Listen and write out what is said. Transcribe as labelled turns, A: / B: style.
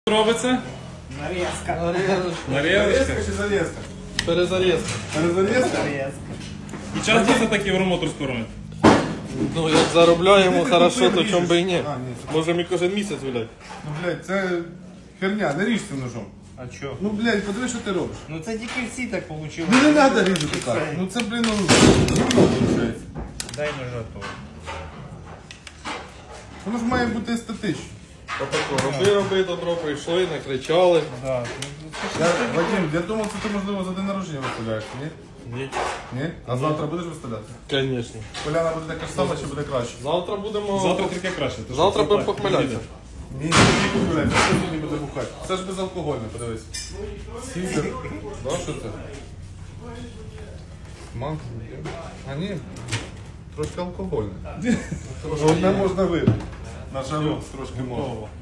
A: Робиться?
B: Нарезка.
A: Нарізка.
C: чи зарезка?
B: Перезарізка.
C: Перезарезка?
B: Нарезка.
A: І часто це такі вромотор скормить?
B: Ну, як заробляємо хорошо, то чому би і ні.
C: А, ні.
B: Можемо і кожен місяць гуляти.
C: Ну, блядь, це херня, не ріж цим ножом.
B: А чо?
C: Ну, блядь, подиви, що ти робиш.
B: Ну це тільки всі так вийшло.
C: Ну, не треба різати так. Ну, це, блін, ну, виходить.
B: Дай ножа то.
C: Воно ж має бути естетично.
B: Отако, роби, добро, прийшли, накричали. Да.
C: Вадим, я думав, це ти, можливо, за день народження виставляєш, ні?
B: Ні.
C: Ні? А завтра будеш виставляти?
B: Звісно.
C: Поляна буде така ж сама, чи буде краще?
B: Завтра будемо...
A: Завтра тільки краще. то що
B: Завтра
A: це
B: будемо
A: так,
B: похмелятися.
C: Ні, не блядь, що сьогодні буде бухати? Це ж безалкогольне, подивись. Сідер. Да, що це? Манка? А ні, трошки алкогольне. Одне можна випити. На жару трошки можна.